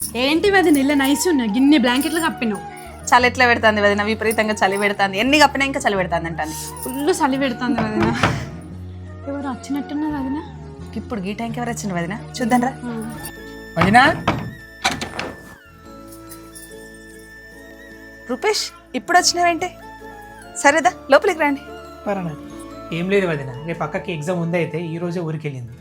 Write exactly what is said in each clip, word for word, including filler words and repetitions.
ఏంటి వదిన ఇలా నైస్ ఉన్నా గిన్నె బ్లాంకెట్లు కప్పినావు. చలి ఎట్లా పెడుతుంది వదిన, విపరీతంగా చలి పెడుతుంది. ఎన్ని కప్పినా ఇంకా చలి పెడుతుంది అంటాను. ఫుల్ చలి పెడుతుంది వదిన. ఎవరు వచ్చినట్టున్నారు వదిన? ఇప్పుడు ఈ టైంకి ఎవరు వచ్చింది వదిన? చూద్దాం రా. వదినా రూపేష్ ఇప్పుడు వచ్చినావేంటి? సరేదా లోపలికి రండి. పరనా ఏం లేదు వదిన, రేపు అక్కకి ఎగ్జామ్ ఉంది, అయితే ఈ రోజే ఊరికి వెళ్ళింది.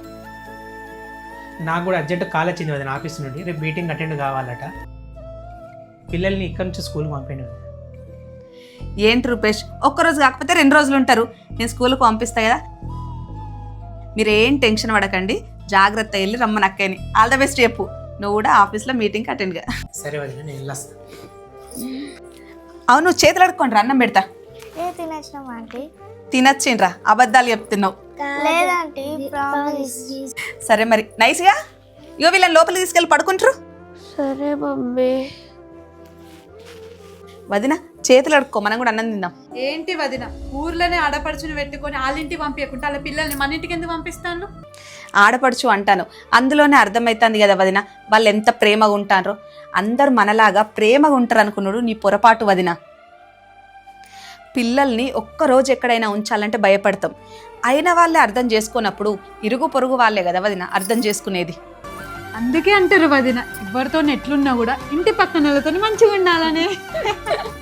నాకు కూడా అర్జెంట్ కాల్ వచ్చింది వదిన ఆఫీస్ నుండి, రేపు మీటింగ్ అటెండ్ కావాలట. పిల్లల్ని ఇక్కడ నుంచి స్కూల్కి పంపండి వదిన. ఏంటి రూపేష్, ఒక్కరోజు కాకపోతే రెండు రోజులు ఉంటారు, నేను స్కూల్కి పంపిస్తా కదా. మీరు ఏం టెన్షన్ పడకండి, జాగ్రత్త వెళ్ళి రమ్మని అక్కని. ఆల్ ద బెస్ట్ చెప్పు. నువ్వు కూడా ఆఫీస్లో మీటింగ్కి అటెండ్గా. సరే వదిన, నేను వెళ్ళొస్తా. అవును చేతులు అడుక్కోండి రా, అన్నం పెడతా. ఏ తినచ్చినాం ఆంటీ? తినచ్చిండ్రా, అబద్ధాలు చెప్తున్నావు. లేదంటీ ప్రామిస్. సరే మరి నైస్గా ఇగో వీళ్ళని లోపలికి తీసుకెళ్ళి పడుకుంటారు. సరే మమ్మీ. వదిన చేతులు అడుక్కో, మనం కూడా అన్నం తిందాం. ఏంటి వదిన ఊర్లోనే ఆడపడుచుని పెట్టుకొని వాళ్ళింటికి పంపించకుండా వాళ్ళ పిల్లల్ని మన ఇంటికి ఎందుకు పంపిస్తాను? ఆడపడుచు అంటాను, అందులోనే అర్థమవుతుంది కదా వదిన వాళ్ళు ఎంత ప్రేమగా ఉంటారో. అందరు మనలాగా ప్రేమగా ఉంటారు అనుకున్నాడు నీ పొరపాటు వదిన. పిల్లల్ని ఒక్కరోజు ఎక్కడైనా ఉంచాలంటే భయపడతాం, అయిన వాళ్ళే అర్థం చేసుకున్నప్పుడు ఇరుగు పొరుగు వాళ్ళే కదా వదిన అర్థం చేసుకునేది. అందుకే అంటారు వదిన ఎవరితో ఎట్లున్నా కూడా ఇంటి పక్కన వాళ్ళతో మంచిగా ఉండాలని.